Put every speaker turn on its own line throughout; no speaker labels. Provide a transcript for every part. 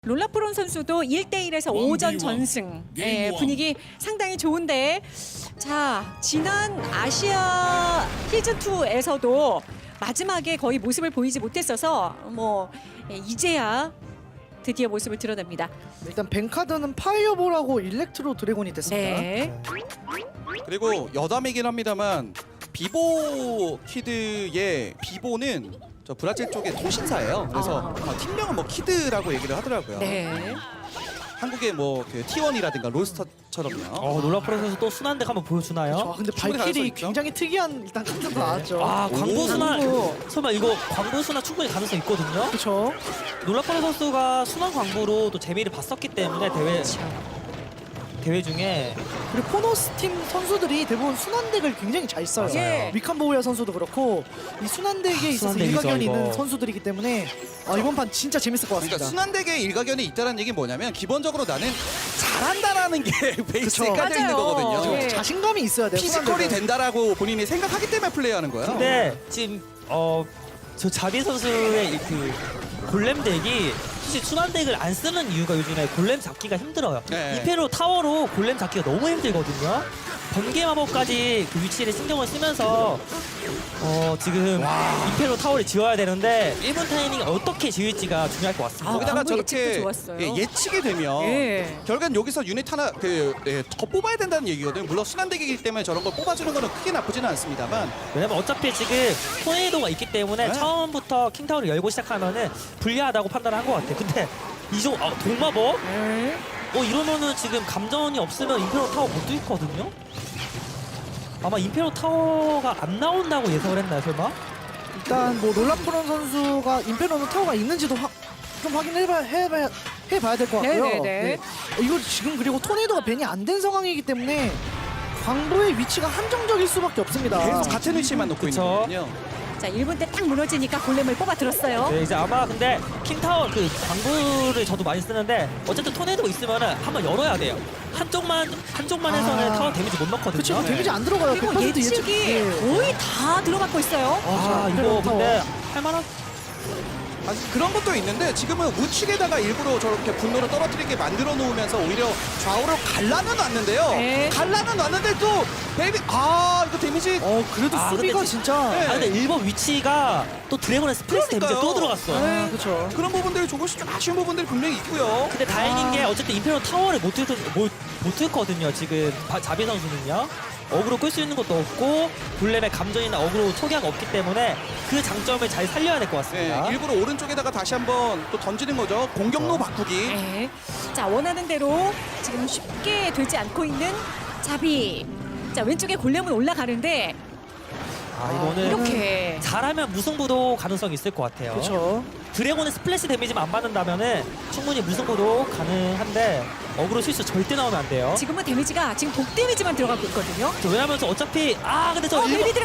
롤라프론 선수도 1대1에서 5전 전승. 분위기 상당히 좋은데, 자, 지난 아시아 시즌2에서도 마지막에 거의 모습을 보이지 못했어서 이제야 드디어 모습을 드러냅니다.
일단 뱅카드는 파이어볼하고 일렉트로 드래곤이 됐습니다.
네.
그리고 여담이긴 합니다만 비보 키드의 비보는 저 브라질 쪽의 통신사예요. 그래서 팀명은 뭐 키드라고 얘기를 하더라고요.
네.
한국의 뭐그 T1이라든가 롤스터처럼요.
롤라프론 선수 또 순환덱 한번 보여주나요?
근데
충분히 가능성
발길이
있죠?
굉장히 특이한 일단 카드도 나왔죠.
아, 광부 순환.
광부.
설마 이거 광부 순환 충분히 가능성 있거든요?
그렇죠.
롤라프론 선수가 순환 광부로 또 재미를 봤었기 때문에 대회 중에
그리고 포너스 팀 선수들이 대부분 순환덱을 굉장히 잘 써요.
맞아요.
위칸보우야 선수도 그렇고 이 순환덱에 있어서
순환덱이죠,
일가견이
이거.
있는 선수들이기 때문에 이번 판 진짜 재밌을 것 같습니다.
그러니까 순환덱에 일가견이 있다는 얘기는 뭐냐면 기본적으로 나는 잘한다라는 게 베이스에
그쵸.
깔려 있는
맞아요.
거거든요.
네.
자신감이 있어야 돼요.
피지컬이
순환덱은.
된다라고 본인이 생각하기 때문에 플레이하는 거예요.
근데 지금 저 자비 선수의 그 골렘 덱이 사실 순환 덱을 안 쓰는 이유가 요즘에 골렘 잡기가 힘들어요.
네.
이페로 타워로 골렘 잡기가 너무 힘들거든요. 번개 마법까지 그 위치를 신경을 쓰면서 지금 이페로 타워를 지어야 되는데 1분 타이밍 어떻게 지을지가 중요할 것 같습니다.
거기다가
광부
저렇게
예측도 좋았어요.
예측이 되면
예.
결국엔 여기서 유닛 하나 더 뽑아야 된다는 얘기거든요. 물론 순환덱이기 때문에 저런 걸 뽑아주는 거는 크게 나쁘지는 않습니다만
왜냐면 어차피 지금 토네이도가 있기 때문에
네.
처음부터 킹타워를 열고 시작하면은 불리하다고 판단한 것 같아요. 근데 이종 동마법?
네.
이러면은 지금 감전이 없으면 임페로 타워 못 뚫거든요? 아마 임페로 타워가 안 나온다고 예상을 했나요, 설마?
일단 뭐 롤라프론 선수가 임페로는 타워가 있는지도 좀 확인해봐야 될 것 같고요.
네네네.
이거 지금 그리고 토네이도가 벤이 안 된 상황이기 때문에 광부의 위치가 한정적일 수밖에 없습니다.
계속 같은 위치만 놓고 있는
그쵸.
거거든요.
자, 1분 때 딱 무너지니까 골렘을 뽑아 들었어요.
네, 이제 아마 근데 킹타워 그 광부를 저도 많이 쓰는데 어쨌든 토네이도가 있으면은 한번 열어야 돼요. 한쪽만 해서는 타워 데미지 못 넣거든요.
그쵸, 그 데미지 안 들어가요.
그리고
100%
예측이
예.
거의 다 들어맞고 있어요.
이거 근데 할만한
그런 것도 있는데 지금은 우측에다가 일부러 저렇게 분노를 떨어뜨리게 만들어 놓으면서 오히려 좌우로 갈라는 놨는데요.
네.
갈라는 놨는데 또 베이비 이거 데미지
그래도
아,
수비가
근데
진짜.
네.
근데 일본 위치가 또 드래곤의 스플래시 데미지가 또
그러니까요.
들어갔어.
그렇죠.
그런 부분들이 조금씩 좀 아쉬운 부분들이 분명히 있고요.
근데 다행인 게 어쨌든 임페로 타워를 못 뚫거든요. 지금 자비 선수는요. 어그로 끌 수 있는 것도 없고 블렘의 감전이나 어그로 초기화가 없기 때문에 그 장점을 잘 살려야 될 것 같습니다.
일부러 오른쪽에다가 다시 한번 또 던지는 거죠. 공격로 바꾸기.
네. 자, 원하는 대로 지금 쉽게 되지 않고 있는 자비. 자, 왼쪽에 골렘은 올라가는데
이거는
이렇게
잘하면 무승부도 가능성이 있을 것 같아요.
그렇죠.
드래곤의 스플래시 데미지만 안 받는다면은 충분히 무승부도 가능한데 어그로 실수 절대 나오면 안 돼요.
지금은 데미지가 지금 독 데미지만 들어가고 있거든요.
왜냐면 어차피 근데 저 일본
베이비 들어.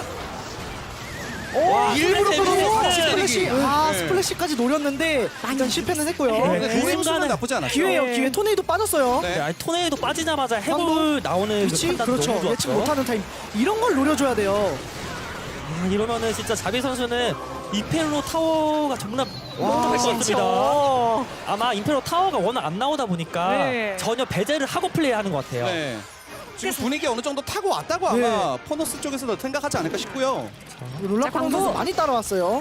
와,
일부러
스플래시
그러고
데미지.
스플래시.
스플래시, 스플래시까지 노렸는데 일단 실패는 했고요.
네.
근데
그
그 순간
순간은
나쁘지 않았죠.
기회예요,
네.
기회. 토네이도 빠졌어요.
네.
토네이도 빠지자마자 해볼 나오는 그
그렇지?
판단도
그렇죠.
너무
예측
좋았죠.
못하는 타임. 이런 걸 노려줘야 돼요.
이러면은 진짜 자비 선수는 임페로 타워가 정말
와,
멋있습니다. 아마 임페로 타워가 워낙 안 나오다 보니까
네.
전혀 배제를 하고 플레이하는 것 같아요.
네. 지금 분위기 어느 정도 타고 왔다고 아마 포너스 쪽에서도 생각하지 않을까 싶고요.
롤라프론
광부.
선수 많이 따라왔어요.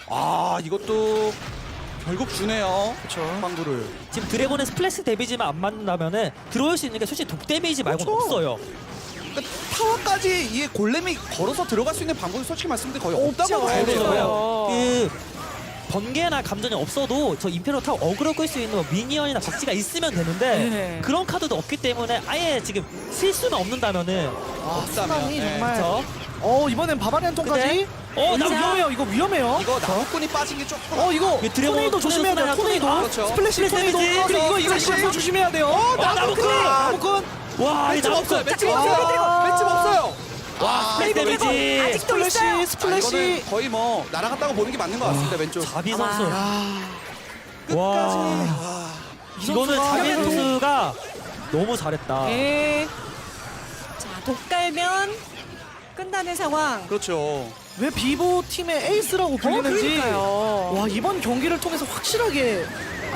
이것도 결국 주네요.
그렇죠.
광부를.
지금 드래곤의 스플래시 데미지만 안 맞는다면은 들어올 수 있는 게 솔직히 독 데미지 말고는
그렇죠.
없어요.
그러니까 타워까지 이 골렘이 걸어서 들어갈 수 있는 방법이 솔직히 말씀드리면 거의 없다고
없죠.
봐야 돼요.
없어요.
그 번개나 감전이 없어도 저 임페로 타워 어그로 끌 수 있는 뭐 미니언이나 박쥐가 있으면 되는데
네.
그런 카드도 없기 때문에 아예 지금 실수만 없는다면은
순환이
네.
정말.
그렇죠?
이번엔 바바리안 통까지.
나
위험해요. 이거 위험해요.
이거 나무꾼이 빠진 게 조금.
이거
이게 드래곤
토네이도 조심해야 돼요. 토네이도.
그렇죠.
스플래시 토네이도.
데미지.
그리고 이거
스플래시.
조심해야 돼요.
나무꾼!
나무꾼.
와,
맷집 없어요. 맷집
아.
없어요. 맷집 없어요.
스플래시
베이비 드래곤
데미지.
아직도 있어요.
스플래시.
이거는 거의 뭐 날아갔다고 보는 게 맞는 것 같습니다. 왼쪽.
자비
아마.
선수.
끝까지.
와. 이거는 자비 선수가 너무 잘했다.
네. 자, 독 깔면 끝나는 상황.
그렇죠.
왜 비보 팀의 에이스라고 불리는지.
그러니까요.
와, 이번 경기를 통해서 확실하게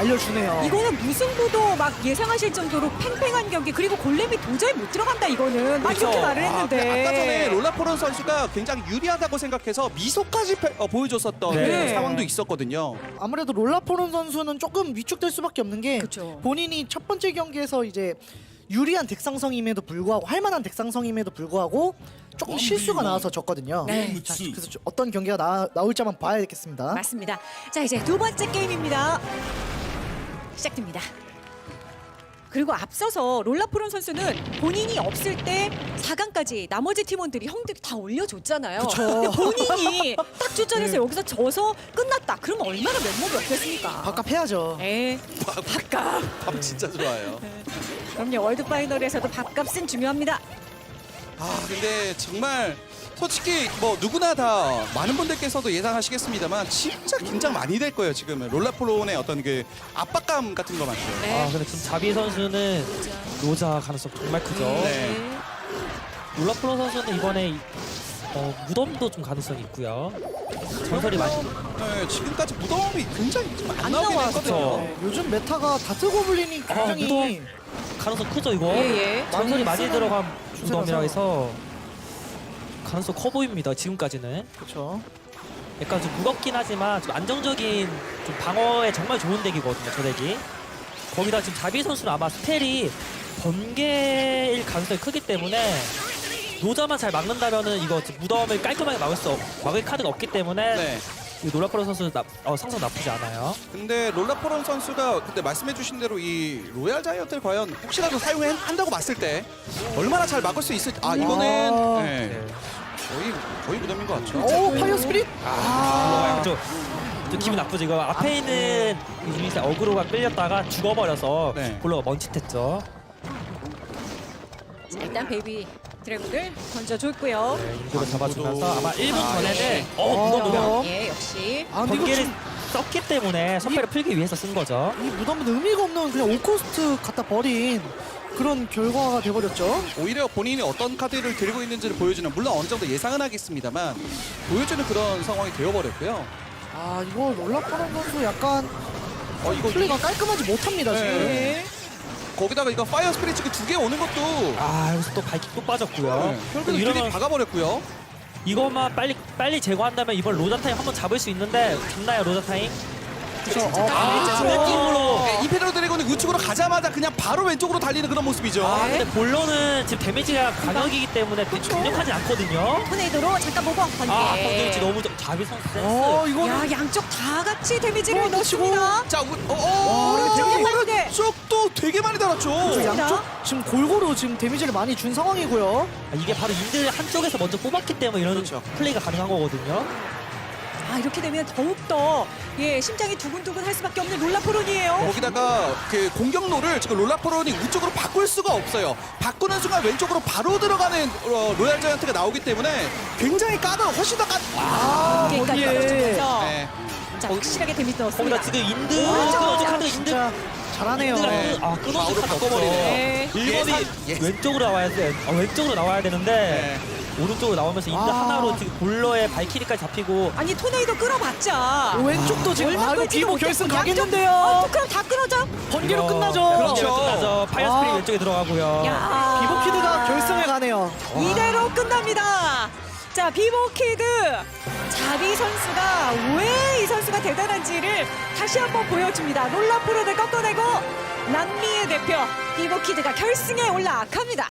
알려주네요.
이거는 무승부도 막 예상하실 정도로 팽팽한 경기, 그리고 골렘이 도저히 못 들어간다 이거는 막
그렇죠.
이렇게 말을 했는데.
아까 전에 롤라포론 선수가 굉장히 유리하다고 생각해서 미소까지 보여줬었던
네.
그런 상황도 있었거든요.
아무래도 롤라포론 선수는 조금 위축될 수밖에 없는 게
그쵸.
본인이 첫 번째 경기에서 이제 유리한 덱상성임에도 불구하고 할만한 덱상성임에도 불구하고 조금 실수가 나와서 졌거든요.
네.
자, 그래서 어떤 경기가 나올지 한번 봐야겠습니다.
맞습니다. 자, 이제 두 번째 게임입니다. 시작됩니다. 그리고 앞서서 롤라프론 선수는 본인이 없을 때 4강까지 나머지 팀원들이 형들이 다 올려줬잖아요. 근데 본인이 딱 출전해서 여기서 져서 끝났다. 그러면 얼마나 면목이 없겠습니까?
밥값해야죠.
네, 밥값.
밥 진짜 좋아요.
그럼요, 월드 파이널에서도 밥값은 중요합니다.
근데 정말 솔직히 뭐 누구나 다 많은 분들께서도 예상하시겠습니다만 진짜 긴장 많이 될 거예요. 지금은 롤라포론의 어떤 그 압박감 같은 거 많죠.
네.
근데 지금 자비 선수는 로자 가능성 정말 크죠.
네.
롤라프로 선수는 이번에 무덤도 좀 가능성이 있고요. 전설이 많이
네, 지금까지 무덤이 굉장히 좀 안
안
나오긴
나왔죠.
했거든요.
네, 요즘 메타가 다트고블린이 굉장히
무덤 가능성 크죠 이거.
예.
전설이 많이
쓰는
들어간
추세라서.
무덤이라 해서 가능성 커 보입니다. 지금까지는.
그렇죠.
약간 좀 무겁긴 하지만 좀 안정적인 좀 방어에 정말 좋은 덱이거든요. 저 덱이. 거기다 지금 자비 선수는 아마 스펠이 번개일 가능성이 크기 때문에 노자만 잘 막는다면은 이거 지금 무덤을 깔끔하게 막을 카드가 없기 때문에
네.
이 노라프로 선수 상성 나쁘지 않아요.
근데 롤라포론 선수가 그때 말씀해주신 대로 이 로얄 자이언트를 과연 혹시라도 사용한다고 봤을 때 얼마나 잘 막을 수 있을지. 이거는 네,
네.
거의 무덤인 것 같죠.
오 파이어 스피릿.
좀 기분 나쁘죠. 이거 앞에 있는 유닛의 어그로가 끌렸다가 죽어버려서
네.
골로가 멈칫했죠.
자, 일단 베이비 드래곤을 던져줬고요.
네, 인구를 잡아주면서 아마 1분
아,
전에는
역시.
무덤 노력
예, 역시.
근데 이거
번개를
지금
썼기 때문에 선패를 풀기 위해서 쓴 거죠.
이 무덤은 의미가 없는 그냥 올코스트 갖다 버린 그런 결과가 돼버렸죠.
오히려 본인이 어떤 카드를 들고 있는지를 보여주는, 물론 어느 정도 예상은 하겠습니다만 보여주는 그런 상황이 되어버렸고요.
이거 롤라포론 선수 약간
이거
플레이가 깔끔하지 못합니다 지금.
네. 거기다가 이거 파이어 스피릿 지금 2개 오는 것도
여기서 또 발킥 또 빠졌고요.
결국은
이러면
이러면 박아버렸고요.
이것만 빨리 제거한다면 이번 로자 타임 한번 잡을 수 있는데 잡나요 로자 타임?
진짜
아,
깔끔했죠.
느낌으로.
네, 임페리얼 드래곤이 우측으로 가자마자 그냥 바로 왼쪽으로 달리는 그런 모습이죠.
근데 본론은 지금 데미지가 강력이기 때문에 강력하지 않거든요.
토네이도로 잠깐 보고 번개.
번개 위치 너무 자비 선수 센스.
이거
야, 양쪽 다 같이 데미지를
넣으시고.
넣습니다.
자,
오른쪽에 번개.
오른쪽도 되게 많이 달았죠.
양쪽 지금 골고루 지금 데미지를 많이 준 상황이고요.
이게 바로 인들 한쪽에서 먼저 뽑았기 때문에 이런
그렇죠.
플레이가 가능한 거거든요.
이렇게 되면 더욱더 심장이 두근두근 할 수밖에 없는 롤라포론이에요.
거기다가 그 공격로를 지금 롤라포론이 우측으로 바꿀 수가 없어요. 바꾸는 순간 왼쪽으로 바로 들어가는 로얄 자이언트가 나오기 때문에 굉장히 훨씬 더
번개까지
거기에.
떨어지면서
네.
자, 확실하게 데미지 넣었습니다.
거기다 지금 인드 끊어준 카드 인드
진짜 잘하네요.
네.
끊어준
좌우로
카드
바꿔버리네요.
네.
1번이 왼쪽으로 나와야 돼. 왼쪽으로 나와야 되는데 오른쪽으로 나오면서 인드 하나로 지금 볼러에 발키리까지 잡히고
아니, 토네이도 끌어봤자.
왼쪽도 지금
얼마
이거
끌지도
비보
못했고
결승
양쪽-
가겠는데요.
그럼 다 끊어져.
번개로 끝나죠.
그렇죠.
끝나죠. 파이어 스피릿
아.
왼쪽에 들어가고요.
야.
비보키드가 결승에 가네요.
이대로 끝납니다. 자, 비보키드 자비 선수가 왜 이 선수가 대단한지를 다시 한번 보여줍니다. 롤라프로를 꺾어내고 남미의 대표 비보키드가 결승에 올라갑니다.